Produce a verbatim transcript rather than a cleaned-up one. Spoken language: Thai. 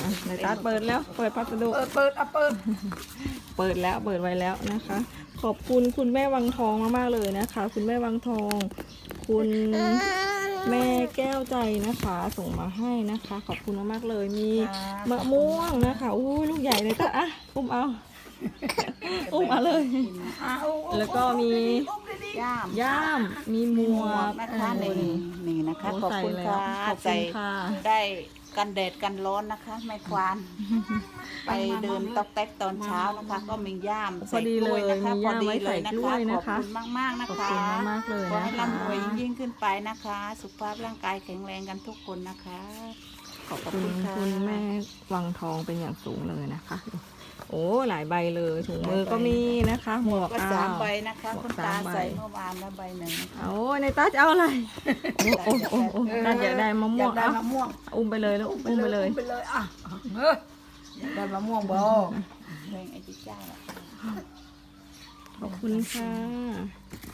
ในตาเปิดแล้วเปิดพัสดุเปิดเปิดอ่ะเปิดเปิดแล้วเปิดไว้แล้วนะคะ ขอบคุณคุณแม่วังทองมากๆเลยนะคะ คุณแม่วังทอง คุณแม่แก้วใจนะคะ ส่งมาให้นะคะ ขอบคุณมากๆเลยมีมะม่วงนะคะอู้ลูกใหญ่เลยตาอ่ะอุ้มเอาอุ้มเอาเลยอ่ะเอาเอาแล้วก็มีอุ้มดีๆย่ามย่ามมีหมวกนะคะโอ้นี่ยนี่นะคะโอ้ขอบคุณใส่แล้วค่ะขอบคุณใส่ค่ะได้กันแดดกันร้อนนะคะไม่ควานไปเดินตอกแตกตอนเช้านะคะ ก็มีย่ามพอดีเลยนะคะมีพอย่ามดีไว้เลใส่ยนะกล้คะวยขนะอบคะคุณมากๆนะขอบคะคุณมากๆเลยขอนะให้คะร่ำรวยยิ่งขึ้นไปนะคะ สุขภาพร่างกายแข็งแรงกันทุกคนนะคะขอบคุณคุณแม่วังทองเป็นอย่างสูงเลยนะคะ โอ้หลายใบเลยถุงมือก็มีนะคะ หมวกก็อ้าสามวใบนะคะหมวกคุณสาตามใบใส่เมื่อวานแล้วใบหนึ่งนะคะโอ้ในตาจะเอาอะไรโอ้โอ้โอ้โอ้ตาอยากได้มะม่วงอยากได้เอามะม่วงอุ้มไปเลยแล้วอุ้มไปเลยอุ้มไปเลยอ่ะเอออยากได้มะม่วงบ่เพลงไอ้จิ๊กจ้าอะขอบคุณค่ะ